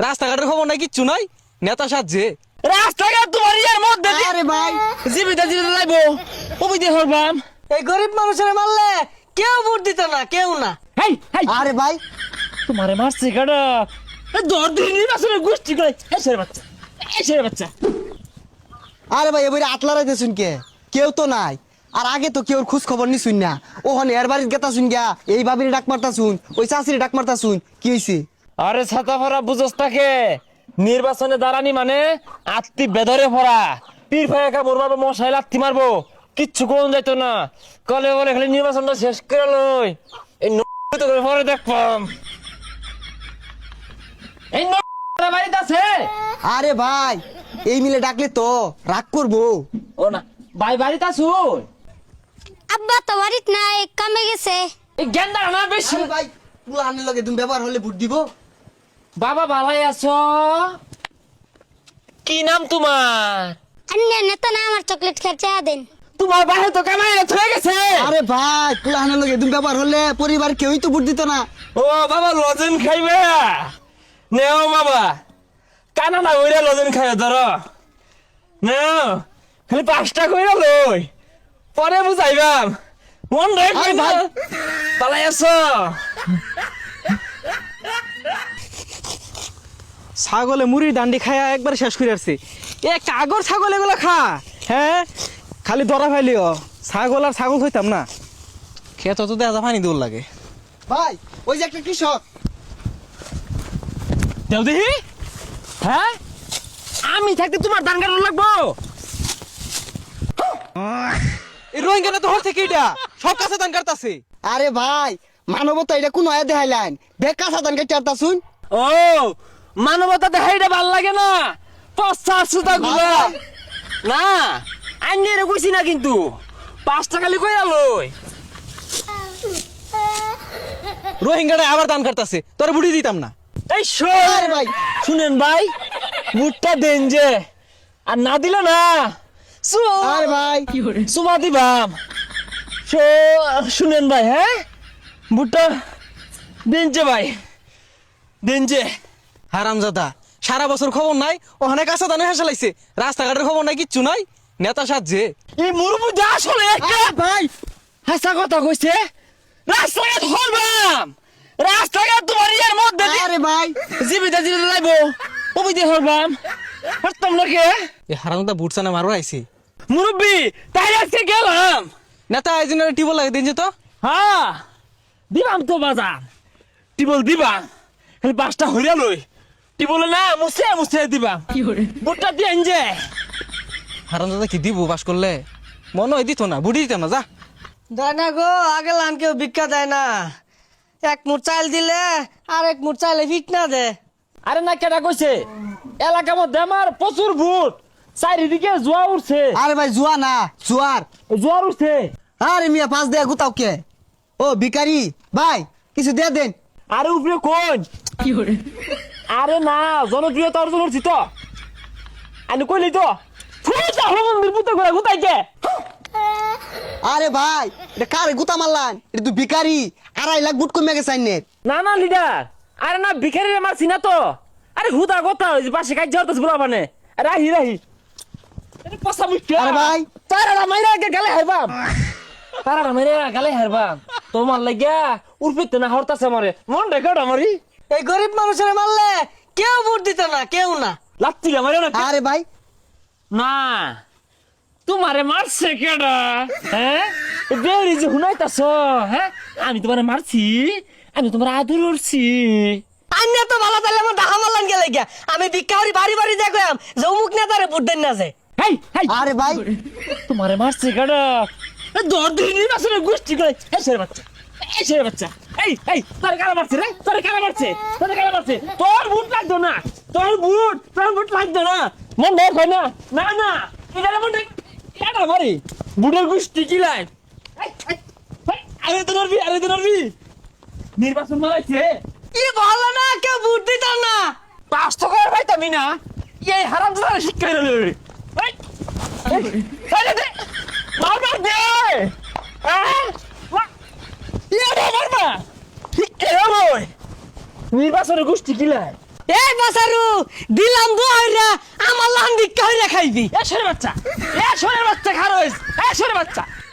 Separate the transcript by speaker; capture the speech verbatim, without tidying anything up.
Speaker 1: রাস্তাঘাটের খবর নাই, কিচ্ছু নাই, নেতা সাজছে।
Speaker 2: রাস্তাঘাট তোমার ইয়ার মধ্যে দিয়ে-
Speaker 3: আরে ভাই
Speaker 2: জীবিত জীবিত লাইবো কবিতে হরবাম।
Speaker 3: এই গরিব মানুষের মারলে কেউ ভোট দিত না, কেউ না।
Speaker 2: হেই হেই
Speaker 3: আরে ভাই
Speaker 2: তোমারে মারছে কাটা দর দিন নির্বাচনের গোষ্ঠী করে এসের বাচ্চা এসের বাচ্চা।
Speaker 3: আরে ভাই এবারে আটলা রাইতে শুন কে কেউ তো নাই। আর আগে তো কেউ খোঁজ খবর নি শুন না, ওখানে এর বাড়ির গেতা শুন গিয়া এই ভাবির ডাক মারতা শুন, ওই চাষির ডাক মারতা শুন, কি হইছে?
Speaker 2: আরে ছাতা ভরা বুঝস তাকে নির্বাচনে দাঁড়ানি মানে আত্মি বেদরে ভরা পীর ভাইয়া মোর মারবো, মশাই লাত্তি মারবো, কিচ্ছু কোন যাইতো না। কলে বলে খালি নির্বাচনটা শেষ করে লই, এই তো করে পরে দেখবাম। এই বাড়িতে আছে।
Speaker 3: আরে ভাই এই মিলে ডাকলে তো রাগ করবো।
Speaker 2: ও না ভাই বাড়িতে আসুন।
Speaker 4: আব্বা তো বাড়িত নাই, কামে গেছে।
Speaker 2: এই গেন্দা না বেশি।
Speaker 3: আরে ভাই পুলানের লগে তুমি ব্যবহার হলে ভোট দিব।
Speaker 2: বাবা ভালাই আছো? কি নাম তোমার?
Speaker 4: অন্য নেতা না আমার চকলেট খেয়ে চা দেন।
Speaker 2: তোমার বাহে তো কামাই হয়ে গেছে।
Speaker 3: আরে ভাই পুলানের লগে তুমি ব্যবহার হলে পরিবার কেউই তো ভোট দিত না।
Speaker 2: ও বাবা লজেন খাইবে নেও বাবা, কানা না ওইরা লজেন খাইবে ধরো নেও, খালি পাঁচটা কইরা লই পরে বুঝাইবাম। মন রে
Speaker 3: আরে ভাই।
Speaker 2: পালাই আছো?
Speaker 1: ছাগলে মুড়ির দান্ডি খায়া একবার শেষ করে আসছে। এ কাগর ছাগল এগুলো খা, হ্যাঁ খালি ধরা ফাইলিও। ছাগল আর ছাগল হইতাম না, খেত তো দেখা পানি দৌড় লাগে।
Speaker 3: ভাই ওই যে একটা কৃষক।
Speaker 2: দেও দেখি। হ্যাঁ আমি থাকতে তোমার ধান কাটানো লাগবো?
Speaker 1: এই রোহিঙ্গা তো হর থেকে এটা সব কাছে দান কাটতাছে।
Speaker 3: আরে ভাই মানবতা এটা কোন আয়া দেখাইলেন, বেকা সাধান কেটে আরতা শুন।
Speaker 2: ও মানবতা দেখাইটা ভাল লাগে না, পচা সুতা গুলা না আইনে রে কইছি না, কিন্তু পাঁচটা খালি কইরা লই।
Speaker 1: রোহিঙ্গাটা আবার দান কাটতাছে, তোর বুড়ি দিতাম না।
Speaker 2: এই শোন
Speaker 3: আরে ভাই
Speaker 2: শুনেন ভাই, বুটটা দেন যে, আর না দিল না সু-
Speaker 3: আরে ভাই
Speaker 2: সুমা দিবাম। শো- শুনেন ভাই, হ্যাঁ বুটটা দেন যে ভাই, দেন যে।
Speaker 1: হারামজাদা সারা বছর খবর নাই, ওখানে কাঁচা দানে হেসে লাইছে। রাস্তাঘাটের খবর নাই, কিচ্ছু নাই, নেতা সাজছে।
Speaker 2: এই মুরুবুদা আসলে একটা
Speaker 3: আরে ভাই
Speaker 2: হাসা কথা কইছে। রাস্তাঘাট হরবাম, রাস্তাঘাট তোমার ইয়ার মধ্যে দিয়ে-
Speaker 3: আরে ভাই
Speaker 2: জীবিত জীবিত লাইবো কবিতে হরবাম। হরতাম না কে
Speaker 1: এই হারামজাদা বুটসানে মারো আইছে।
Speaker 2: মুরব্বী, তাই আজকে গেলাম।
Speaker 1: নেতা এই জন্য টিবল লাগে দিন যে তো।
Speaker 2: হ্যাঁ দিবাম তো বাজার, টিবল দিবাম, খালি পাঁচটা হইয়া লই, টিবলে না মুছে মুছে দিবাম। বুটটা দিয়ে যে
Speaker 1: হারামজাদা কি দিব বাস করলে, মনে হয় দিত না, বুড়ি দিতাম না। যা
Speaker 3: দেয় না গো, আগে লান কেউ ভিক্ষা দেয় না। এক মুঠ চাল দিলে আর এক মুঠ চাইলে ফিট না দে।
Speaker 2: আরে না কেটা কইছে, এলাকার মধ্যে আমার প্রচুর ভূত, চারিদিকে জোয়া উঠছে,
Speaker 3: আরে ভাই জুয়া না জুয়ার।
Speaker 2: জোয়ার উঠছে।
Speaker 3: আরে মিয়া পাঁচ দেয়া গুতাও কে? ও ভিখারি ভাই কিছু দিয়ে দেন।
Speaker 2: আরে উপরে কোন আরে না জনপ্রিয়তা অর্জন করছি তো আমি কইলি তো ফুটা মন্দির পুতো করে গুতাই কে।
Speaker 3: আরে ভাই এটা কারে গুতা মারলান? এটা তুই ভিখারি, আড়াই লাখ বুট কমে গেছে আইনের।
Speaker 2: না না লিডার, আরে না ভিখারি রে মারছি না তো, আরে হুদা কথা ওই যে পাশে কাজ যাওয়ার বলা মানে রাহি রাহি আরে পসা মুখ্য।
Speaker 3: আরে ভাই
Speaker 2: তারা মাইরা কে গালে হারবাম, তারা মাইরা গালে হারবাম তোমার লাগিয়া উর্ফিতে না হরতাছে মরে মন রেকর্ড আমারই।
Speaker 3: এই গরিব মানুষের মারলে কেউ ভোট দিত না, কেউ না।
Speaker 2: লাত্তি মারে না
Speaker 3: আরে ভাই
Speaker 2: না তোমারে মারছে কেডা? হ্যাঁ বেরি যে হুনাইতাছ, হ্যাঁ আমি তোমারে মারছি, আমি তোমার আদর করছি।
Speaker 3: আন্যা তো ভালো তাহলে আমার ডাহা মারলান গেলে গিয়া। আমি ভিক্ষারি বাড়ি বাড়ি দেখলাম যে অমুক নেতারে ভোট দেন না যে।
Speaker 2: হেই হেই
Speaker 3: আরে ভাই
Speaker 2: তোমারে মারছে কেডা? দর দিন নির্বাচনের গোষ্ঠী করে এসের বাচ্চা এসের বাচ্চা। এই এই তোর কারা মারছে রে, তোর কারা মারছে, তোর কারা মারছে? তোর বুট লাগতো না, তোর বুট তোর বুট লাগতো না, মন দেখ হয় না না না এটা মন দেখ এটা মারি বুটের গোষ্ঠী কি লাই। আরে তো নরবি, আরে তো নরবি নির্বাচন মারাইছে
Speaker 3: কি ভালো না, কেউ ভোট দিত না।
Speaker 2: পাঁচ টাকা পাইতামি না, এই হারাম দাদা শিক্ষা দিল রে। এই এই দে মার মার দে হ্যাঁ ইয়া রে মার মা শিক্ষা হলো নির্বাচনের গোষ্ঠী কি লাই।
Speaker 5: এই বাসারু দিলাম দোহাইরা আমার লান ভিক্ষা হইরা খাইবি
Speaker 2: এ সরে বাচ্চা এ সরে বাচ্চা খারোস এ সরে বাচ্চা